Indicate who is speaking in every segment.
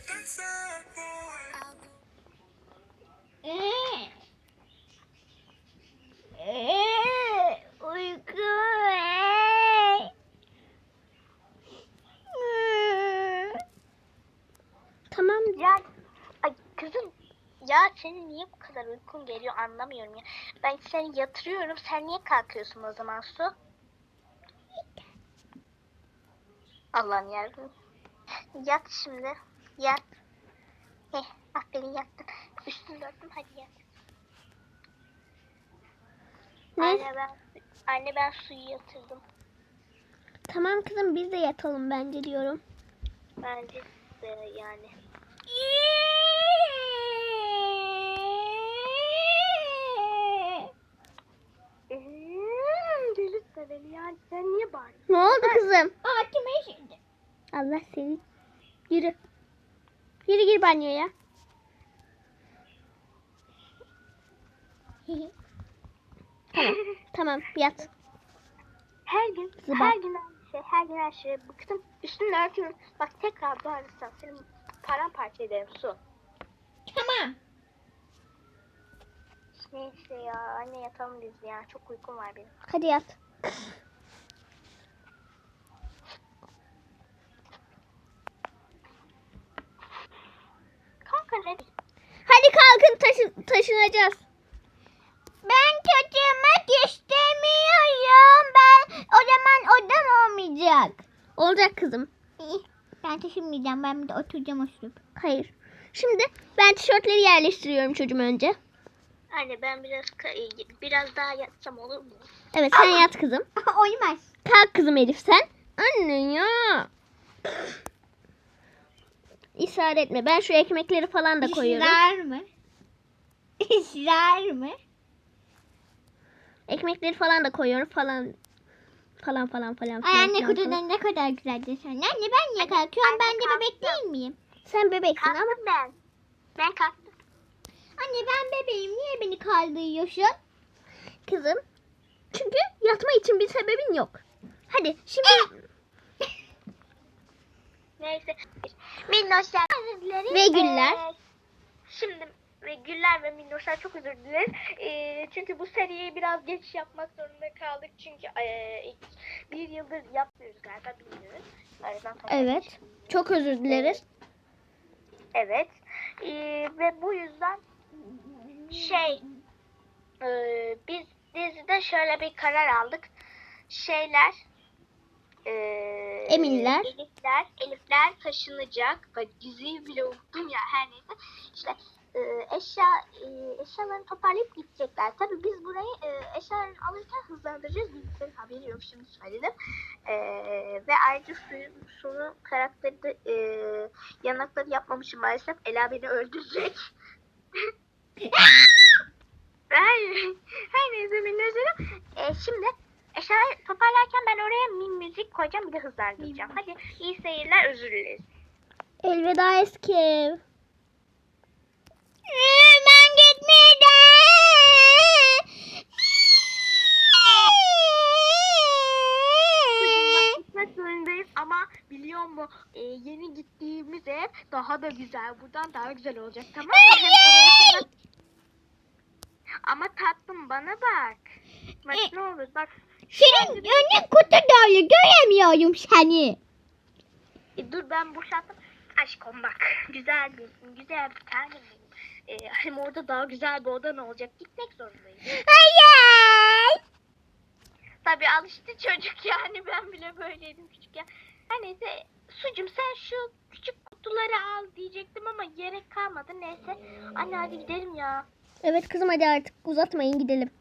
Speaker 1: Uyku. Tamam.
Speaker 2: Ya ay kızım, ya senin niye bu kadar uykun geliyor anlamıyorum ya. Ben seni yatırıyorum, sen niye kalkıyorsun o zaman Su? Allah'ım yarabbim. Yat şimdi. Yat. Aferin yattın. Üstünü örttüm, hadi yat.
Speaker 1: Ne?
Speaker 2: Anne ben Su'yu yatırdım.
Speaker 1: Tamam kızım, biz de yatalım bence diyorum.
Speaker 2: Bence de yani. Delirtme beni ya. Sen niye bağırıyorsun?
Speaker 1: Ne oldu kızım?
Speaker 2: Altıma işindi.
Speaker 1: Allah seni. Yürü. Yürü gir banyoya. Tamam. Tamam yat.
Speaker 2: Her gün,
Speaker 1: Zıba.
Speaker 2: her gün aynı şey, her gün her şeye bıktım. Üstünü örtüyorum. Bak tekrar bağırırsan senin paramparça ederim Su.
Speaker 1: Tamam.
Speaker 2: Neyse ya, anne yatalım biz ya. Çok uykum var benim.
Speaker 1: Hadi yat.
Speaker 2: Kanka ne?
Speaker 1: Hadi kalkın, taşınacağız. Ben taşınmak istemiyorum. Ben o zaman odam olmayacak. Olacak kızım.
Speaker 3: Ben taşınmayacağım. Ben bir de oturacağım oturup.
Speaker 1: Hayır. Şimdi ben tişörtleri yerleştiriyorum çocuğum önce.
Speaker 2: Anne ben biraz daha yatsam olur mu?
Speaker 1: Evet sen yat kızım.
Speaker 3: Olmaz.
Speaker 1: Kalk kızım Elif sen. Anne ya. İsrar etme. Ben şu ekmekleri falan da koyuyorum.
Speaker 3: İsrar mı? İsrar mı?
Speaker 1: Ekmekleri falan da koyuyorum falan. Falan.
Speaker 3: Ay anne
Speaker 1: falan.
Speaker 3: kutudan ne kadar güzel desen. Anne ben niye kalkıyorum? Ben de bebek değil miyim?
Speaker 1: Sen bebeksin ama.
Speaker 2: Kalktım ben. Ben kalktım.
Speaker 3: Anne ben bebeğim. Niye beni kaldırıyorsun?
Speaker 1: Kızım. Çünkü yatma için bir sebebin yok. Hadi şimdi.
Speaker 2: Neyse. Minnoşlar.
Speaker 1: Ve Güller.
Speaker 2: Şimdi ve Güller ve Minnoşlar çok özür dileriz. Çünkü bu seriyi biraz geç yapmak zorunda kaldık. Çünkü bir yıldır yapmıyoruz galiba, bilmiyoruz.
Speaker 1: Evet. Çok özür dileriz.
Speaker 2: Evet. Ve bu yüzden biz dizide şöyle bir karar aldık.
Speaker 1: Eminler.
Speaker 2: Elifler taşınacak. Bak diziyi bile unuttum ya, her neyse. İşte eşyalarını toparlayıp gidecekler. Tabii biz burayı eşyalarını alırken hızlandıracağız. Bilgisayarın haberi yok, şimdi söyledim. Ve ayrıca suyun karakteri de yanakları yapmamışım maalesef. Ela beni öldürecek. Her neyse minnoşlarım. Şimdi eşyaları toparlarken ben oraya müzik koyacağım, bir de hızlandıracağım. Hadi iyi seyirler, özür dileriz.
Speaker 1: Elveda eski ev. Ben gitmeyeceğim.
Speaker 2: Gitmek zorundayız ama biliyor musun, yeni gittiğimiz ev daha da güzel. Buradan daha güzel olacak, tamam mı? Hem oraya kadar... Ama tatlım bana bak. Bak ne olur bak.
Speaker 3: Senin önün kutu dolu. Göremiyorum seni.
Speaker 2: Dur ben boşalttım. Aşkım bak. Güzel bir tanem benim. Hem orada daha güzel bir odan olacak. Gitmek zorundayız.
Speaker 1: Hayır.
Speaker 2: Tabii alıştı çocuk yani. Ben bile böyleydim küçükken. Her neyse. Sucum sen şu küçük kutuları al diyecektim ama gerek kalmadı. Neyse. Anne hadi gidelim ya.
Speaker 1: Evet kızım hadi artık uzatmayın gidelim.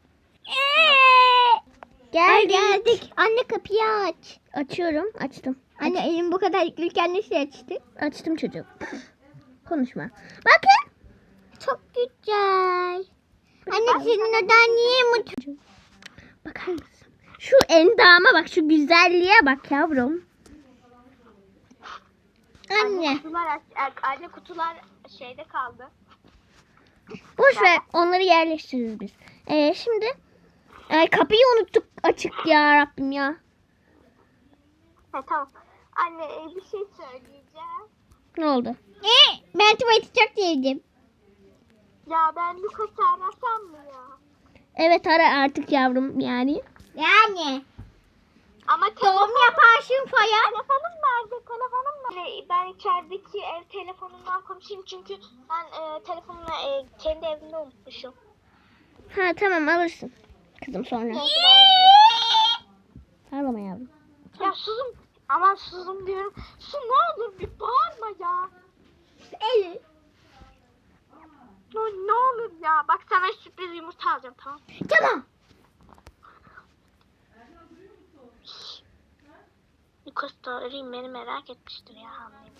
Speaker 3: Gel geldik. Anne kapıyı aç.
Speaker 1: Açıyorum. Açtım.
Speaker 3: Anne elim bu kadar yüklüyken nasıl açtı?
Speaker 1: Açtım çocuğum. Konuşma. Bakın.
Speaker 3: Çok güzel. Anne senin odan niye mutlu?
Speaker 1: Bakar mısın? Şu endama bak. Şu güzelliğe bak yavrum.
Speaker 3: Anne.
Speaker 2: Anne kutular şeyde kaldı.
Speaker 1: Boş ver. Onları yerleştiririz biz. Şimdi kapıyı unuttuk açık ya Rabbim ya.
Speaker 2: Tamam. Anne bir şey söyleyeceğim.
Speaker 1: Ne oldu?
Speaker 3: Ben tuvaleti çok sevdim.
Speaker 2: Ya ben Lucas'ı arasam mı ya?
Speaker 1: Evet ara artık yavrum yani.
Speaker 3: Yani.
Speaker 2: Ama
Speaker 3: Doğum yaparsın falan.
Speaker 2: telefonum nerede? Telefonum nerede? Ben içerideki ev telefonundan konuşayım çünkü ben telefonumu kendi evimde unutmuşum.
Speaker 1: Ha tamam alırsın. Kızım sonra. Ağlama yavrum.
Speaker 2: Ya susum. Aman susum diyorum. Su ne olur bir bağırma ya.
Speaker 3: Evet.
Speaker 2: Ne olur ya. Bak sana sürpriz yumurta alacağım tamam.
Speaker 3: Tamam.
Speaker 2: Lucas da arayayım beni merak etmiştir ya hamleyim.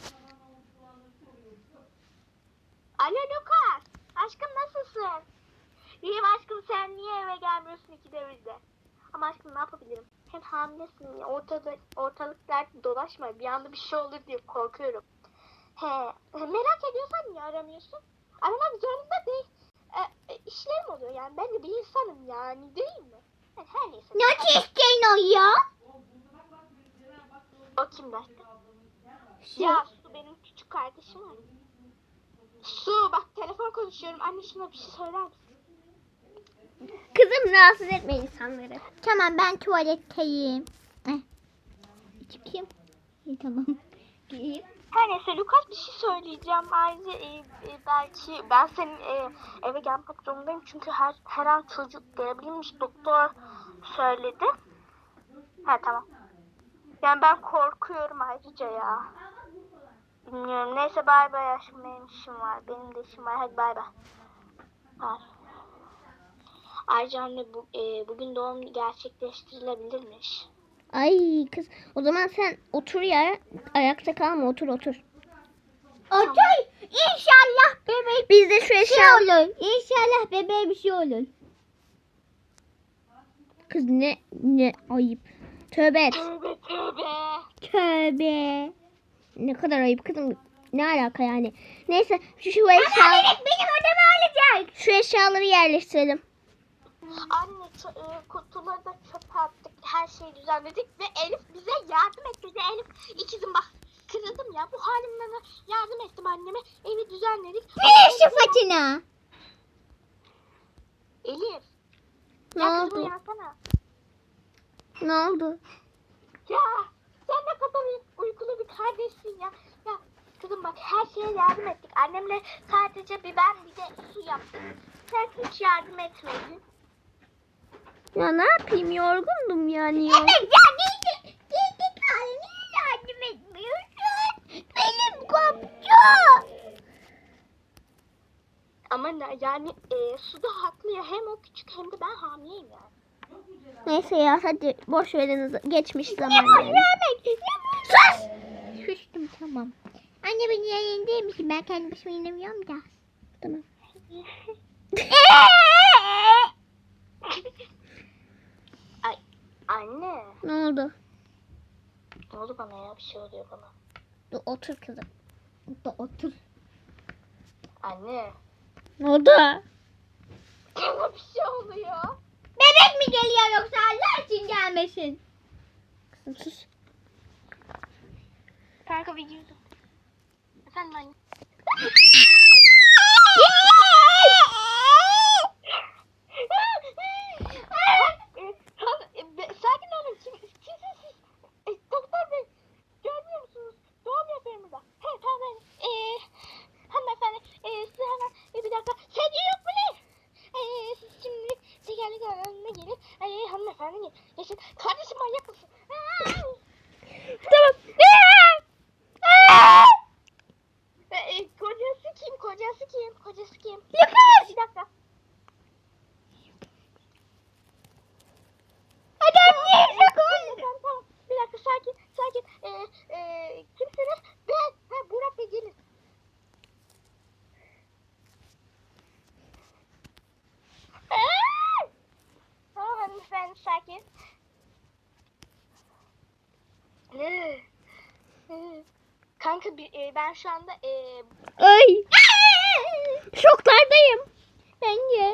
Speaker 2: Alo Lucas. Aşkım nasılsın? İyiyim aşkım sen niye eve gelmiyorsun ikide birde? Ama aşkım ne yapabilirim? Hem hamilesin ya ortalıklarda dolaşma bir anda bir şey olur diye korkuyorum. Merak ediyorsan niye aramıyorsun? Aramak zorunda değil. İşlerim oluyor yani ben de bir insanım yani değil mi? Yani her neyse.
Speaker 3: Nasıl isteyin o ya?
Speaker 2: O kim aşkım? Ya Su benim küçük kardeşim var. Su bak telefon konuşuyorum. Anne şuna bir şey söyler misin?
Speaker 1: Kızım rahatsız etme insanları.
Speaker 3: Tamam ben tuvaletteyim. Çıkayım. İyi tamam. Gireyim.
Speaker 2: Her neyse Lucas bir şey söyleyeceğim. Ayrıca belki ben senin eve gelmek zorundayım. Çünkü her an çocuk gelebilirmiş. Doktor söyledi. Ha tamam. Yani ben korkuyorum ayrıca ya. Bilmiyorum. Neyse bay bay aşkım benim işim var. Benim de işim var. Hadi bay bay. Bay. Ayrıca anne bugün doğum gerçekleştirilebilirmiş.
Speaker 1: Ay kız o zaman sen otur ya. Ayakta kalma otur.
Speaker 3: Otur. İnşallah bebek
Speaker 1: Biz de şu
Speaker 3: bir şey
Speaker 1: eşya...
Speaker 3: olur. İnşallah bebeğe bir şey olur.
Speaker 1: Kız ne ayıp. Tövbe et.
Speaker 2: Tövbe tövbe.
Speaker 3: Tövbe.
Speaker 1: Ne kadar ayıp kızım. Ne alaka yani. Neyse şu eşya...
Speaker 3: Benim odamı alacak.
Speaker 1: Şu eşyaları yerleştirelim.
Speaker 2: Anne kutuları da çöpe attık. Her şeyi düzenledik ve Elif bize yardım etti. Elif ikizim bak kırıldım ya. Bu halimden yardım ettim anneme. Evi düzenledik.
Speaker 3: Ver şu façına.
Speaker 2: Elif.
Speaker 1: Ne
Speaker 2: Ya kızım
Speaker 1: oldu?
Speaker 2: uyansana.
Speaker 1: Ne oldu?
Speaker 2: Ya sen ne kadar uykulu bir kardeşsin ya. Ya kızım bak her şeye yardım ettik. Annemle sadece ben bir de su yaptık. Sen hiç yardım etmedin.
Speaker 1: Ya ne yapayım yorgundum yani.
Speaker 3: Evet ya giydik hali niye yardım etmiyorsun? Benim komşu.
Speaker 2: Ama yani su da haklı ya. Hem o küçük hem de ben hamileyim yani.
Speaker 1: Neyse ya hadi boş verin geçmiş zaman.
Speaker 3: Ne boş
Speaker 1: yani.
Speaker 3: vermek? Sus. Sustum tamam. Anne beni yayındayım misin? Ben kendi başıma inemiyorum da.
Speaker 1: Tamam.
Speaker 2: Ay anne.
Speaker 1: Ne oldu?
Speaker 2: Ne oldu bana ya? Bir şey oluyor bana.
Speaker 1: Dur, otur kızım.
Speaker 3: Otur.
Speaker 2: Anne.
Speaker 1: Ne oldu?
Speaker 2: Bana bir şey oluyor.
Speaker 3: Bebek mi geliyor yoksa Allah için gelmesin?
Speaker 1: Kızım sus.
Speaker 2: Kanka bir girdim. Efendim anne. Sakin olun. Kimsiniz siz? Doktor bey. Görmüyor musunuz? Doğum yapıyorum da. Tamam. Hanımefendi. Size hemen bir dakika. Sedye yok mu ne? Siz şimdi tekerlek alanına gelin. Hanımefendi geçin. Kardeşim manyak mısın?
Speaker 1: Tamam.
Speaker 2: Kocası kim? Kocası kim? Kocası kim?
Speaker 3: Lucas!
Speaker 2: Bir dakika.
Speaker 3: Adam niye
Speaker 2: Tamam, tamam. Bir dakika sakin. Kimsiniz? Ben. Burak Bey gelin. Tamam hanımefendi sakin. Kanka ben şu anda
Speaker 1: Ay. Şoklardayım.
Speaker 3: Bence.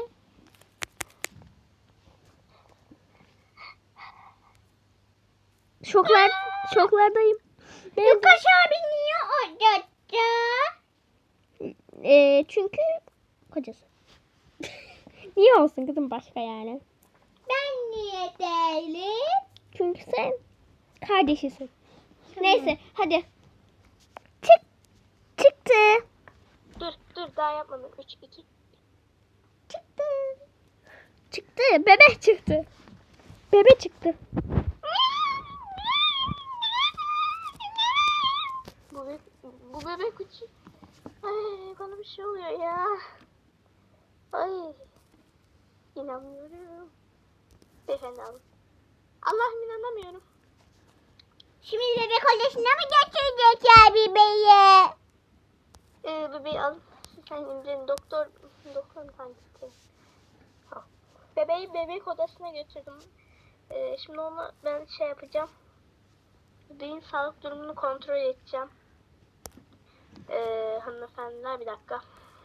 Speaker 1: Şoklardayım.
Speaker 3: Lucas abi niye odadı?
Speaker 1: Çünkü kocası. Niye olsun kızım başka yani?
Speaker 3: Ben niye değilim?
Speaker 1: Çünkü sen kardeşisin. Neyse hadi. Çıktı.
Speaker 2: Dur daha yapmadım. 3, 2.
Speaker 1: Çıktı. Çıktı. Bebe çıktı. Bebe çıktı.
Speaker 2: Bu bebek için. Ay bana bir şey oluyor ya. Ay. İnanmıyorum. Beyefendi alın. Allah'ım inanamıyorum.
Speaker 3: Şimdi bebek odasına mı götürecekler bebeği?
Speaker 2: Bebeği alın. Sen indirin. Doktor hangisi? Bebeği bebek odasına götürdüm. Şimdi onu ben şey yapacağım. Bebeğin sağlık durumunu kontrol edeceğim. Hanımefendiler bir dakika.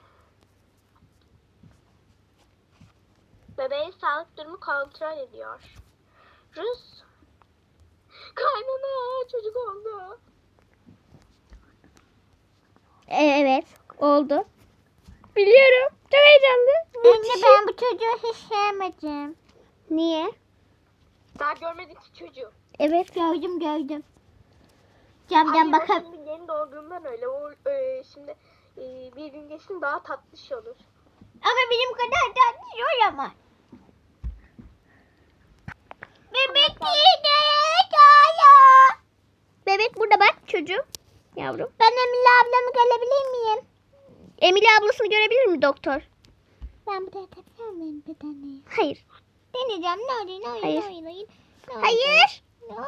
Speaker 2: Bebeğin sağlık durumu kontrol ediyor. Rus. Kaynana çocuk oldu.
Speaker 1: Evet. Oldu. Biliyorum. Çok heyecanlı.
Speaker 3: Anne
Speaker 1: Müthiş.
Speaker 3: ben bu çocuğu hiç sevmedim.
Speaker 1: Niye?
Speaker 2: Daha görmedik ki çocuğu.
Speaker 1: Evet.
Speaker 3: Gördüm. Camdan
Speaker 2: Hayır, o
Speaker 3: bakıp
Speaker 2: şimdi yeni doğduğundan öyle. O şimdi bir gün geçsin daha tatlış olur.
Speaker 3: ama benim kadar tatlı olamaz. Bebek yine kaya.
Speaker 1: Bebek burada bak çocuğum. Yavrum.
Speaker 3: Ben Emine ablamı görebilir miyim?
Speaker 1: Emine ablasını görebilir mi doktor?
Speaker 3: Ben buraya takar mıyım bir tane?
Speaker 1: Hayır.
Speaker 3: Deneyeceğim. Ne
Speaker 1: Hayır.
Speaker 3: oyun.
Speaker 1: Hayır.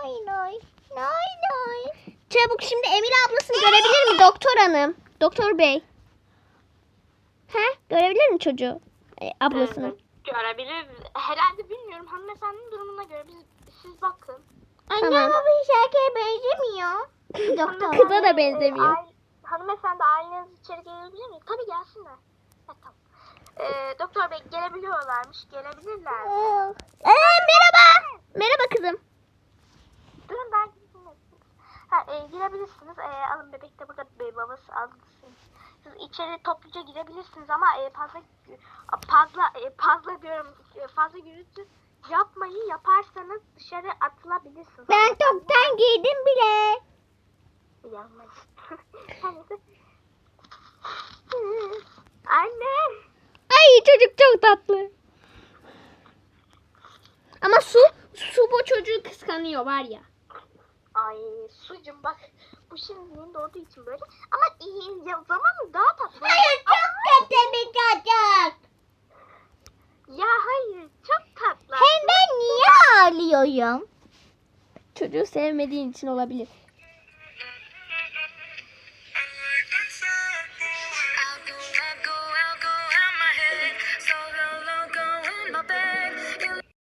Speaker 3: Noy.
Speaker 1: Çabuk şimdi Emine ablasını görebilir mi doktor hanım? Doktor bey. Görebilir mi çocuğu? Ablasını.
Speaker 2: Görebilir. Herhalde bilmiyorum. Hanımefendinin durumuna göre siz bakın.
Speaker 3: Anne
Speaker 1: Tamam.
Speaker 3: ama bu hiç erkeğe benzemiyor. Doktor.
Speaker 1: Kıza da benzemiyor.
Speaker 2: Hanımefendi aileniz içeri gelebilir mi? Tabii gelsinler. Tamam. Doktor bey gelebiliyorlarmış. Gelebilirler.
Speaker 1: Merhaba. Merhaba kızım.
Speaker 2: Durun ben girebilirsiniz. Alın bebek de burada babası alsın. Siz içeri topluca girebilirsiniz ama fazla gürültü yapmayın. Yaparsanız dışarı atılabilirsiniz.
Speaker 3: Ben toptan giydim bile.
Speaker 2: Yanmayın. Anne.
Speaker 1: Ay çocuk çok tatlı. Ama su bu çocuğu kıskanıyor var ya.
Speaker 2: Ay sucum bak. Bu şimdi yeni doğduğu için böyle. Ama zamanı daha tatlı.
Speaker 3: Hayır çok kötü bir çocuk.
Speaker 2: Ya hayır çok tatlı.
Speaker 3: Hem ben niye ağlıyorum?
Speaker 1: Çocuğu sevmediğin için olabilir.